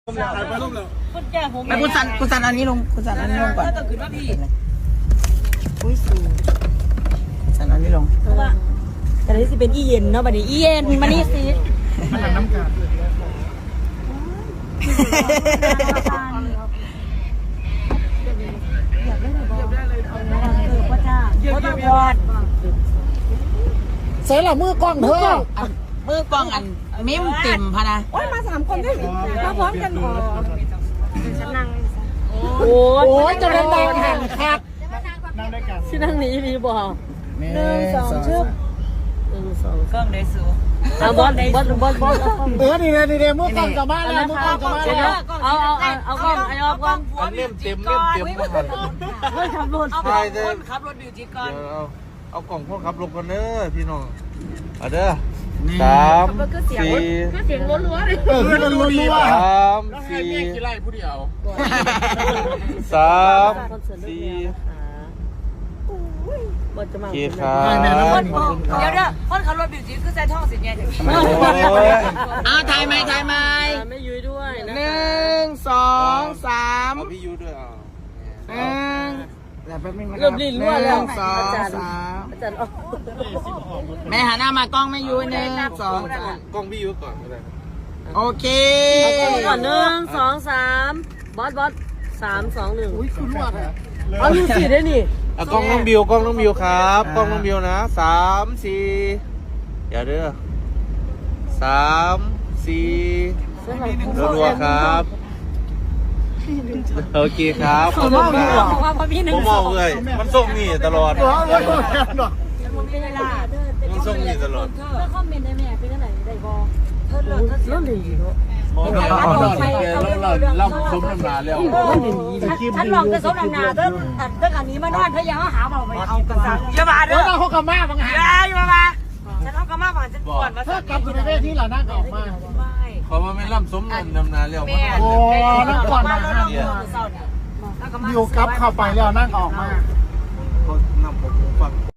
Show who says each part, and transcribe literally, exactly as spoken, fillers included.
Speaker 1: ไปคุณสันคุณสันอันนี้ลงคุณสันอันนี้ลงก่อนอุ้ยสูสันอันนี้ลง
Speaker 2: เพราะว่าแต่ที่สิเป็นอีเย็นเนาะบัดนี้อีเย็นมานี่สิ
Speaker 3: มันหลังน้ำกาด
Speaker 1: เสร็จแล้วมือกล้องเธอมือกล้องอันมิ้มติ่มพะนะ
Speaker 2: โอ้ยมาสามคนด้วยมาพร้อมกันอ๋อฉันนั่งโ
Speaker 1: อ้ยจะเล่นดาวแห่งครับ
Speaker 3: นั่งด้วยกัน
Speaker 2: ที่นั่งนี้มีบ่หนึ่งสองชึบหนึ่งสอง
Speaker 1: กล้องได้สู
Speaker 2: เอาบอลบอลบอลบอล
Speaker 3: เออดีเลยดีเลยมือกล้องกลับบ้านแล้วมือกล้องกลับบ้านแล้ว
Speaker 2: เอาเอาเอาเอากล้องเอากล้อง
Speaker 4: อันเล่มเต็มเล่มเต็มหมดเลย
Speaker 2: เฮ้ยขับรถ
Speaker 4: ใช่เด้อ
Speaker 1: ขับรถบิวจิก่อน
Speaker 4: เอาเอากล่องพวกขับลงกันเด้อพี่น้องเอาเด้อสามสี่
Speaker 2: เสียงรัวๆเลย
Speaker 3: เออคือมันลุ้นรู้ว่า
Speaker 4: สามสี่สามสี่
Speaker 2: บอลจะมา
Speaker 4: เกียร์ครับ
Speaker 1: เดี๋ยวเด้อคนขับรถบิวจิคือใส่ท่อสิเนี่ยอ่าถ่ายไหมถ่ายไหม
Speaker 2: ไม่ยุ้ยด้วยนะ
Speaker 1: หนึ่งสองสาม
Speaker 4: เอาพี่ยูด้วยอ่ะ
Speaker 1: หนึ่ง
Speaker 2: เริ่มลิ้นรั่วแล้ว
Speaker 1: สองสาม
Speaker 2: อาจารย์อ๋อ
Speaker 1: แม่หันหน้ามากล้องไม่ยูหนึ่งสองสาม
Speaker 4: กล้องพี่ยูก่อนก็ได้
Speaker 1: โอเค
Speaker 2: ก่อนหนึ่งสองสามบอสบอสสามสองหนึ่ง
Speaker 3: อุ้ยคุณรวดอ่ะ
Speaker 2: เอาดูสิได้นี่
Speaker 4: เอากล้องน้องบิวกล้องน้องบิวครับกล้องน้องบิวนะสามสี่อย่าเด้อสามสี่รัวๆครับโอเคครับขอบคุณครับผมมองเลยมันส่งนี่ตลอดมันส่งนี่ตลอด
Speaker 2: เธอคอมเมนต์ได้ไหมเป็นอะไรได้บอเธอเลิศเธอเลิศดีเนาะ
Speaker 4: ล่ำสมน้ำหนาแล้ว
Speaker 2: ฉันลองจะสมน้ำหนาเธอเธออันนี้มานอนเธอยังหาเอาไปเอากระสังอย่ามาเด้อ
Speaker 3: เราเขากลับมาบางหา
Speaker 2: อย่ามามาฉันเอากระมาผ่านฉันปวดมา
Speaker 3: ถ้ากลับอยู่ในเวทีเรานั่งออกมา
Speaker 4: เพราะว่าไม่ล่ำสมน้ำหนาแล้ว
Speaker 3: โอ้นั่งก่อนนะอยู่กลับเข้าไปแล้วนั่งออกมา
Speaker 4: เขานำผมฟัง